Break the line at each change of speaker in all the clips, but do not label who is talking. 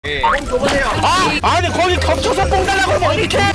뽕 줘보세요.
아니 거기 겹쳐서 뽕 달라고 하면 어떡해?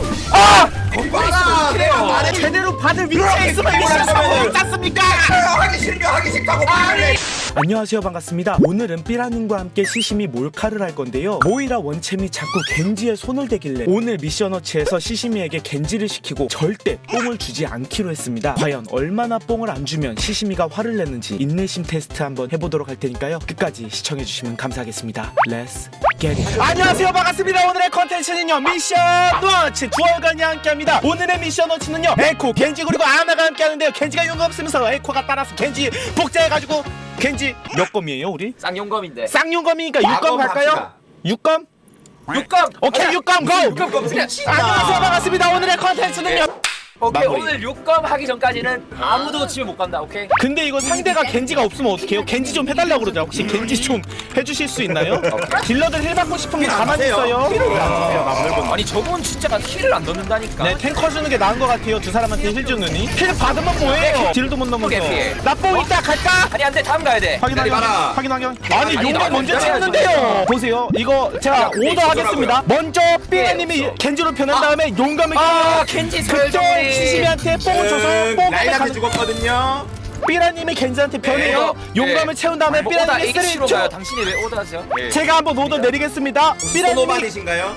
말아.
제대로 받을 위치에 있으면 미션 성공을 땄습니까?
하기 싫으면 하기 싫다고 말해.
안녕하세요, 반갑습니다. 오늘은 삐라님과 함께 시시미 몰카를 할 건데요. 모이라 원챔이 자꾸 겐지에 손을 대길래 오늘 미션워치에서 시시미에게 겐지를 시키고 절대 뽕을 주지 않기로 했습니다. 과연 얼마나 뽕을 안 주면 시시미가 화를 내는지 인내심 테스트 한번 해보도록 할 테니까요. 끝까지 시청해주시면 감사하겠습니다. Let's get it. 안녕하세요, 반갑습니다. 오늘의 컨텐츠는요, 미션워치 두어간이 함께합니다. 오늘의 미션워치는요, 에코, 겐지 그리고 아나가 함께하는데요. 겐지가 용감 쓰면서 에코가 따라서 겐지 복제해가지고 겐지 몇 검이에요 우리?
쌍용검인데.
쌍용검이니까 6검 갈까요? 6검?
6검!
오케이 6검 고!
6검 검
안녕하세요, 반갑습니다. 오늘의 컨텐츠는요,
오케이,
마무리.
오늘 6검 하기 전까지는 아무도 집에 못 간다. 오케이?
근데 이거 상대가 겐지가 없으면 어떡해요? 겐지 좀 해달라고 그러자. 혹시 겐지 좀 해주실 수 있나요? 딜러들 힐 받고 싶으면 가만히 있어요.
아니 저분 진짜 힐을 안 넣는다니까.
네, 탱커 주는 게 나은 것 같아요. 두 사람한테 힐 주느니. 힐 받으면 뭐해요? 딜도 못 넘어서. 나뽕 있다 갈까?
아니 안돼, 다음 가야 돼.
확인. 아니 용감 먼저
먼저
찍는데요. 보세요. 이거 제가 오더 하겠습니다. 먼저 삐라님이 겐지로 변한 다음에 용감을
겐지
그쪽
설정이.
시시미한테 뽕을 줘서 뽕을
라인한테 죽었거든요.
삐라님이 겐지한테 변해요. 용감을 채운 다음에
오다
삐라님이
H로 가요.
쓰리죠.
당신이 왜 오다하세요?
제가 한번 오더 내리겠습니다. 삐라님이
소노반이신가요?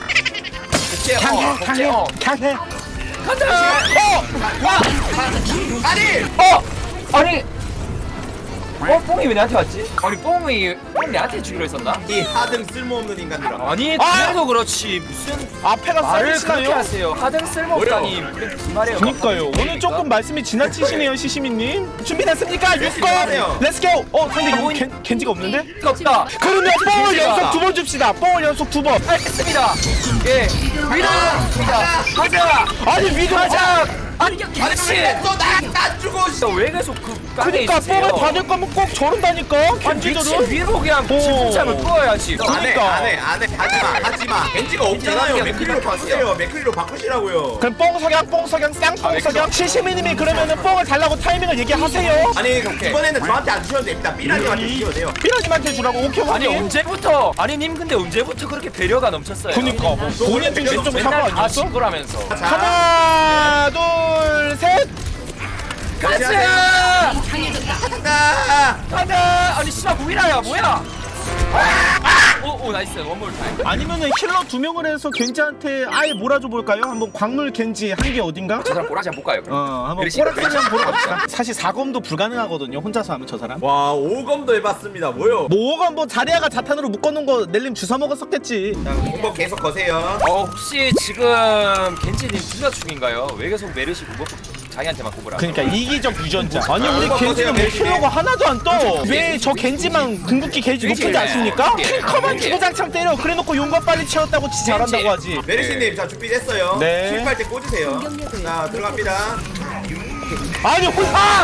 강해.
가자. 아니 뽕이 왜 나한테 왔지? 아니 뽕이 내한테 주기로 했었나?
이 하등 쓸모없는 인간들아.
아니 그래도 그렇지 무슨
앞에가
말을 그렇게
쌀이시나요?
하세요. 하등 쓸모없다니. 그게 무슨 말이에요?
그니까요. 오늘 조금 말씀이 지나치시네요, 시시미님. 준비됐습니까? 6건 렛츠고. 상대 이거 겐지가 없는데?
없다.
그러면 뽕을 연속 2번 줍시다. 뽕을 연속 2번.
알겠습니다. 예, 위로입니다. 가자.
아니 위도 하자.
아니 그렇지.
너나 주고
왜 계속 그 깡에
그러니까
있으세요?
뽕을 받을 거면 꼭 저런다니까.
아니 미친
겐지들은.
위로 그냥 질풍참을 부어야지.
그러니까.
안해 하지마. 겐지가 없잖아요.
겐지가
맥클리로
그냥
바꾸세요. 맥클리로 바꾸시라고요.
그럼 뽕석양 쌍뽕석양 시시미님이 그러면은 뽕을 달라고 타이밍을 얘기하세요.
아니 이번에는 저한테 안 주셔도 됩니다. 삐라님한테 주셔도 돼요.
삐라님한테 주라고. 오케이.
아니 언제부터? 아니 님 근데 언제부터 그렇게 배려가 넘쳤어요?
그니까 뭐 본인 중심 좀 사고
맨날 다
아니었어?
친구라면서.
하나 둘 셋.
가자.
나
가자. 아니 씨발 무이라야 뭐야? 오 나이스 원몰 타임.
아니면은 힐러 2명을 해서 겐지한테 아예 몰아줘 볼까요? 한번 광물 겐지 한 개 어딘가?
저 사람 꼬라지 한번 볼까요? 그럼?
한번
메르시,
꼬락까지 한번 보러 갑시다. 사실 4검도 불가능하거든요, 혼자서 하면 저 사람.
와 5검도 해봤습니다. 뭐요?
뭐가 뭐 자리아가 자탄으로 묶어놓은 거 넬림 주워 먹었었겠지.
자 공법 계속 거세요.
혹시 지금 겐지님 불가충인가요? 왜 계속 메르시 그거 자기한테만 꼽으라?
그러니까 이기적 유전자. 아니 우리 겐지는 왜
멜시네.
힐러가 하나도 안 떠? 왜 저 겐지만 궁극기 게이지 높은지 아십니까? 킬커만 주구장창 때려. 그래놓고 용감 빨리 채웠다고 지 잘한다고 하지.
메르시님 자 준비됐어요.
네.
실패할 때 꽂으세요. 자 들어갑니다.
아니 혼자.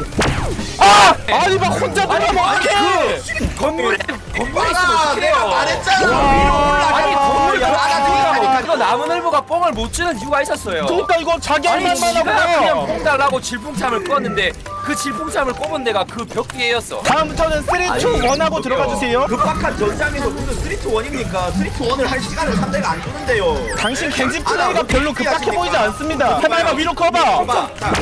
아니 막 혼자 들어가면 어떡해.
건물에 있으면
아, 내가
어떡해요?
말했잖아. 위로
아니 건물에
올라가.
이거 나무늘보가 뽕을 못 주는 이유가 있었어요.
그러니까 이거 자기 할
아니
말만
지가 그냥
하고.
뽕 달라고 질풍참을 껐는데 그 질풍참을 꼽은 데가 그 벽 뒤에였어.
다음부터는 3, 2, 1하고 들어가 주세요.
급박한 전장에서 무슨 3-2-1입니까? 3-2-1을 할 시간을 상대가 안 주는데요.
당신 겐지 플레이가 별로 급박해 보이지 않습니다. 해봐봐, 위로 커봐.
봐봐. 자,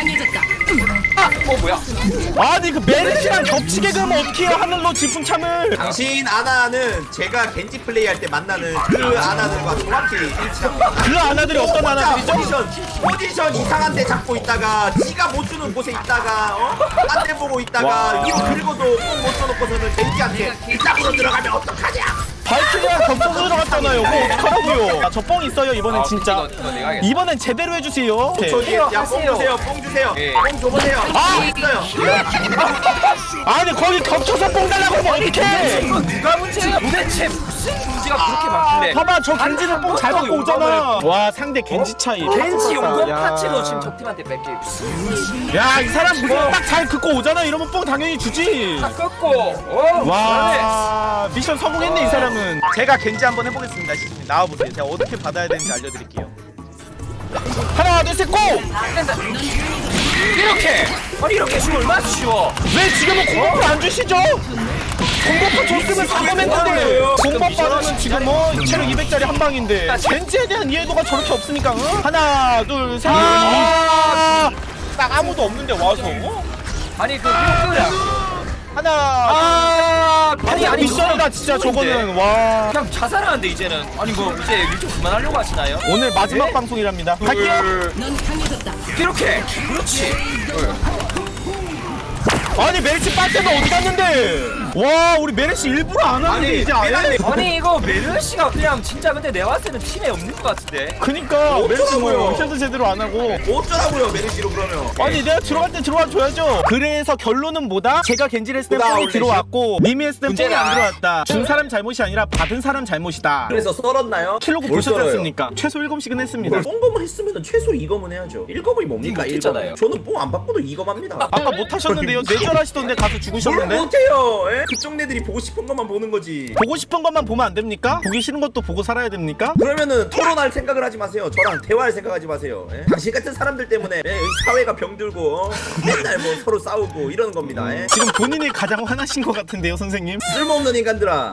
뭐야?
아니 그 메르시랑 겹치게 그러면 어떡해요, 하늘로 질풍참을.
당신 아나는 제가 겐지 플레이할 때 만나는 그 아나들과 정확히 일치합니다.
그 아나들이 어떤 아나들이죠?
포지션 이상한 데 잡고 있다가 지가 못 주는 곳에 있다가 딴 데 보고 있다가
와.
위로 긁어도 뽕못 써놓고서는 겐지한테 이쪽으로 들어가면 어떡하냐?
발키리랑 겹쳐서 들어갔잖아요. 뭐 어떡하라고요. 저 뽕 있어요 이번엔 진짜.
이거 내가 하겠다.
이번엔 제대로 해주세요.
야뽕 주세요, 뽕 주세요.
예.
뽕 줘보세요. 있어요.
아니 거기 겹쳐서 뽕 달라고 하면 어떡해.
이거 누가 문제야? 도대체 무슨 문제가 그렇게 많길래?
봐봐, 저 겐지는 뽕 잘 받고 오잖아. 와, 상대 겐지 차이.
겐지 용검
야.
파츠도 지금 적팀한테 뺏기.
야, 이 사람 무슨 딱 잘 긋고 오잖아. 이러면 뽕 당연히 주지.
다 꺾고.
와, 미션 성공했네 이 사람은. 제가 겐지 한번 해보겠습니다. 나와보세요. 제가 어떻게 받아야 되는지 알려드릴게요. 하나, 둘, 셋, 고!
이렇게. 아니 이렇게 쉬워 얼마나 쉬워?
왜 지금은 공격을 안 주시죠? 공법도 줬으면 사범했는데 공법 받으면 지금 뭐 체력 200짜리 한 방인데 겐지에 대한 이해도가 저렇게 없으니까 하나 둘셋 딱 아무도 없는데 와서
아니 그 뮤크야.
하나
아니
미션이다 진짜 저거는 와
그냥 자살하는데 이제는. 아니 뭐 이제 유튜브 그만하려고 하시나요?
오늘 마지막 방송이랍니다. 갈게요.
이렇게. 그렇지.
아니 메르시 빨대가 어디 갔는데? 와 우리 메르시 일부러 안 하는데
아니,
이제 안 해.
아니 이거 메르시가 그냥 진짜 근데 내가 봤을 때는 팀에 없는 것 같은데.
그니까 메르시 뭐
어쩌라고요?
미션도 제대로 안 하고.
어쩌라고요 메르시로 그러면.
아니 내가 들어갈 때 들어와 줘야죠. 그래서 결론은 뭐다? 제가 겐지를 했을 때 뽕이
올리죠?
들어왔고 미미 했을 때 뽕이
문제다.
안 들어왔다. 준 사람 잘못이 아니라 받은 사람 잘못이다.
그래서 썰었나요?
킬로그
뭘
보셨지
썰어요?
않습니까? 최소 7씩은 했습니다.
뽕검을 했으면 최소 2검은 해야죠. 1검이 뭡니까?
이거 못했잖아요.
1검. 저는 뽕 안 받고도 2검 합니다.
아까 못 하셨는데요? 뇌절하시던데 가서
뭘
죽으셨는데?
못해요? 예? 그쪽 애들이 보고 싶은 것만 보는 거지.
보고 싶은 것만 보면 안 됩니까? 보기 싫은 것도 보고 살아야 됩니까?
그러면은 토론할 생각을 하지 마세요. 저랑 대화할 생각하지 마세요. 예? 당신 같은 사람들 때문에 이 사회가 병들고 맨날 뭐 서로 싸우고 이러는 겁니다. 예?
지금 본인이 가장 화나신 것 같은데요, 선생님?
쓸모없는 인간들아.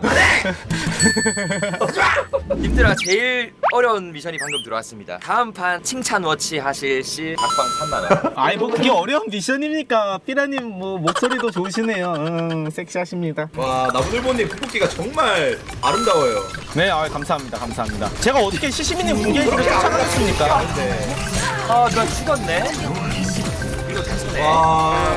님들아 제일 어려운 미션이 방금 들어왔습니다. 다음 판 칭찬 워치 하실 시 각방 3만원.
아이 뭐 그게 어려운 미션입니까? 삐라님 뭐 목소리도 좋으시네요. 섹시하십니다.
와 나무늘보님 풋붓기가 정말 아름다워요.
네, 감사합니다, 감사합니다. 제가 어떻게 시시미님 분개기를 쫓아가겠습니까?
아 누가 죽었네. 이거 됐네.
와.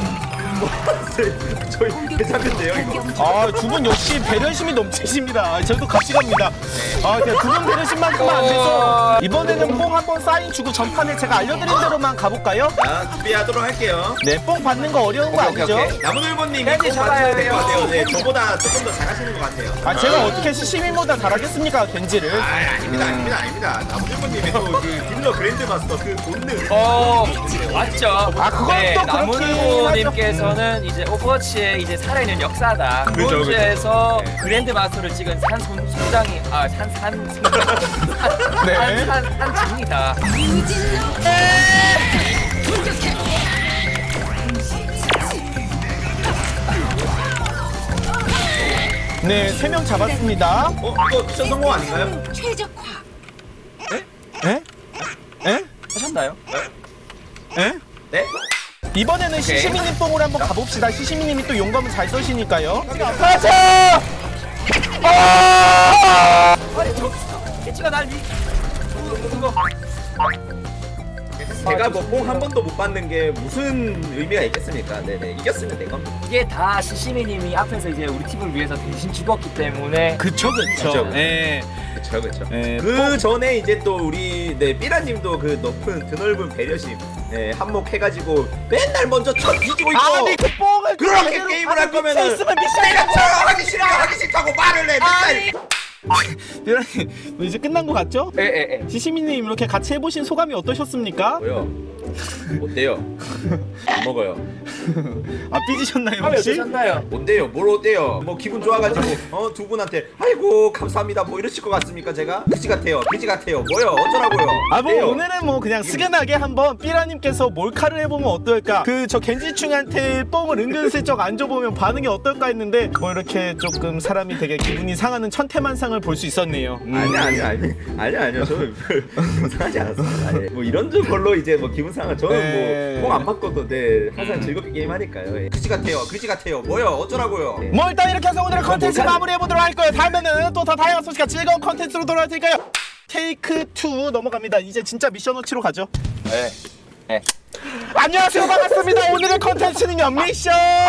저희 괜찮은데요 이거?
두 분 역시 배려심이 넘치십니다. 저도 같이 갑니다. 그냥 두 분 배려심만큼만 안 돼서 이번에는 뽕 한번 사인 주고 전판에 제가 알려드린 대로만 가볼까요?
자 준비하도록 할게요.
네, 뽕 받는 거 어려운 거
오케이,
아니죠?
오케이.
나무늘보님
팬티
꼭
잡아야
맞추면 될 것 같아요.
돼요.
네, 저보다 조금 더 잘하시는 것 같아요.
제가 어떻게 시시미보다 잘하겠습니까, 겐지를?
아닙니다. 나무늘보님의 또그 딜러 그랜드마스터 그 본능.
맞죠.
그건
네,
또 그렇긴
나무늘보님께서는 이제 오버워치에 이제 살아있는 역사다.
그죠,
브론즈에서 그랜드 마스터를 찍은 산손장이
네.
산증이다.
네, 3명 잡았습니다.
이거 미션 성공 아닌가요?
최적화.
에? 에?
하셨나요?
에?
네?
이번에는
오케이.
시시미님 뽕으로 한번 가봅시다. 시시미님이 또 용감을 잘 써시니까요. 가자!
아니 저기서 캐치가 날 미.
제가 뭐 뽕 한 번도 못 받는 게 무슨 의미가 있겠습니까? 네네 이겼으면 된 겁니다.
이게 다 시시미님이 앞에서 이제 우리 팀을 위해서 대신 죽었기 때문에.
그쵸.
그쵸.
예.
그쵸.
예,
그 전에 이제 또 우리 삐라님도 그 높은 드넓은 배려심 한몫해가지고 맨날 먼저 쳐 뒤지고 있고.
아니 그 뽕을
그렇게
제대로
게임을 할 거면은
있으면
내가 저 하기 싫다고 말을 해. 맨날.
삐라님 뭐 이제 끝난 거 같죠?
에.
시시미님 이렇게 같이 해보신 소감이 어떠셨습니까?
뭐요? 어때요? 안 먹어요.
삐지셨나요
왜
혹시?
어떠셨나요?
뭔데요? 뭘 어때요? 뭐 기분 좋아가지고 두 분한테 아이고 감사합니다 뭐 이러실 것 같습니까 제가? 그지 같아요 뭐요 어쩌라고요?
뭐
어때요?
오늘은 뭐 그냥 스근하게 한번 삐라님께서 몰카를 해보면 어떨까? 그 저 겐지충한테 뽕을 은근슬쩍 안 줘보면 반응이 어떨까 했는데 뭐 이렇게 조금 사람이 되게 기분이 상하는 천태만상을 볼 수 있었네요.
아니요 저는 상하지 않았습니다. 뭐 이런 걸로 이제 뭐 기분 상한 저는
네.
뭐 뽕 안 받고도 항상 즐겁게 게임하니까요. 그지 같아요 뭐요 어쩌라고요?
뭐 일단 이렇게 해서 오늘의 컨텐츠
몰카는-
마무리해보도록 할 거예요. 다음에는 또 더 다양한 소식과 즐거운 컨텐츠로 돌아올 테니까요. 테이크 2 넘어갑니다. 이제 진짜 미션 워치로 가죠.
네.
안녕하세요, 반갑습니다. 오늘의 컨텐츠는요, 미션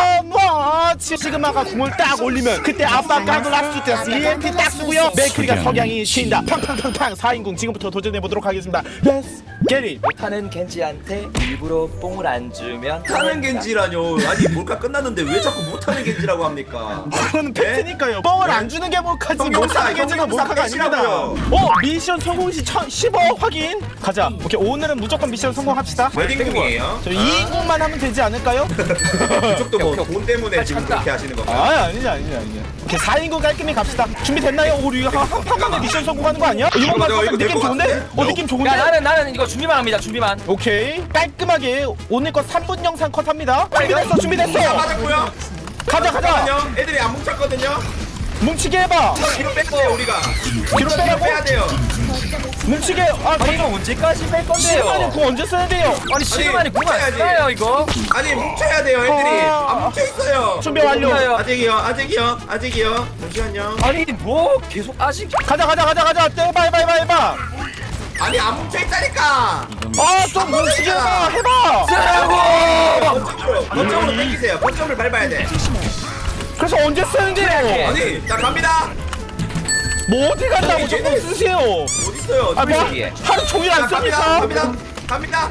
워치. 시그마가 궁을 딱 올리면 그때 아빠 까놀라스 때 EMP 딱 쓰고요, 맥크리가 석양이 쉰다. 팡팡팡팡 4인궁 지금부터 도전해보도록 하겠습니다. Let's get it.
못하는 겐지한테 일부러 뽕을 안 주면
못하는 겐지라뇨. 아니 몰카 끝났는데 왜 자꾸 못하는 겐지라고 합니까?
그거는 팩트니까요. 뽕을 안 주는 게 몰카지 못하는 게 지금 몰카가 아닙니다.
빼시라고요.
미션 성공 시 10억 확인. 가자. 오케이, 오늘은 무조건 미션 성공합시다.
웨딩궁이에요?
저 2인궁만 하면 되지 않을까요?
그쪽도 뭐
오케이.
돈 때문에 지금
찾다.
그렇게 하시는 건가요?
아니죠. 오케이, 4인궁 깔끔히 갑시다. 준비됐나요? 우리 한 판만에 미션 성공하는 거 아니야? 이번만
이거
느낌
될것
좋은데?
같은데?
느낌 좋은데?
야 나는 이거 준비만 합니다. 준비만.
오케이, 깔끔하게 오늘 거 3분 영상 컷합니다. 준비됐어.
다 맞았고요.
가자 가자.
잠깐만요. 애들이 안 뭉쳤거든요.
뭉치게 해봐.
뒤로 빼야 돼요 우리가.
뒤로 빼라고?
빼야 돼요.
뭉치게. 아
아니 이거 언제까지 뺄 건데요?
시간이 그 언제 써야 돼요?
아니 시간이 궁안
뭉쳐야지.
쓰나요 이거?
아니 뭉쳐야 돼요 애들이. 안 뭉쳐 있어요.
준비 완료.
아직이요. 잠시만요.
아니 뭐 계속 아직
가자 가자 가자 가자. 해봐.
아니 안 뭉쳐 있다니까.
아좀 뭉치게 해봐.
쓰라고.
거점으로 당기세요. 거점을 밟아야 돼.
그래서 언제 쓰는데요?
아니 자 갑니다.
뭐 어디 간다고
아니,
조금
얘네-
쓰세요.
어디 있어요?
아 뭐
위에.
하루 종일 안 씁니까?
갑니다.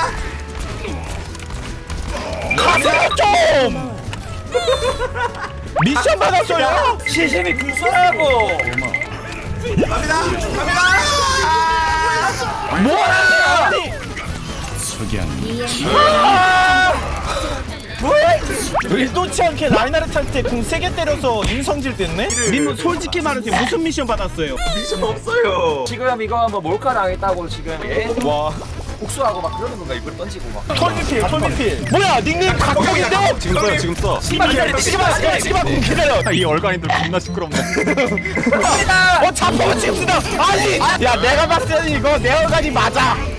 가세요 좀. 미션 받았어요?
시심이 궁 쓰라고.
갑니다.
뭐야? 아니 뭐야? 의도치 않게 라이나르트한테 궁 3개 때려서 인성질 됐네? 님은 솔직히 말해서 무슨 미션 받았어요?
미션 없어요.
지금 이거 뭐 몰카 당했다고 지금 예?
와
복수하고 막 그러는 건가 이걸 던지고 막.
톨미필 뭐야 닉네임 각각인데?
지금 써요 지금 써.
시그마 궁 기다려
이 얼간이들 겁나 시끄럽네.
자폭은 지금 쓰다 아니 야 내가 봤을 때는 이거 내 얼간이 맞아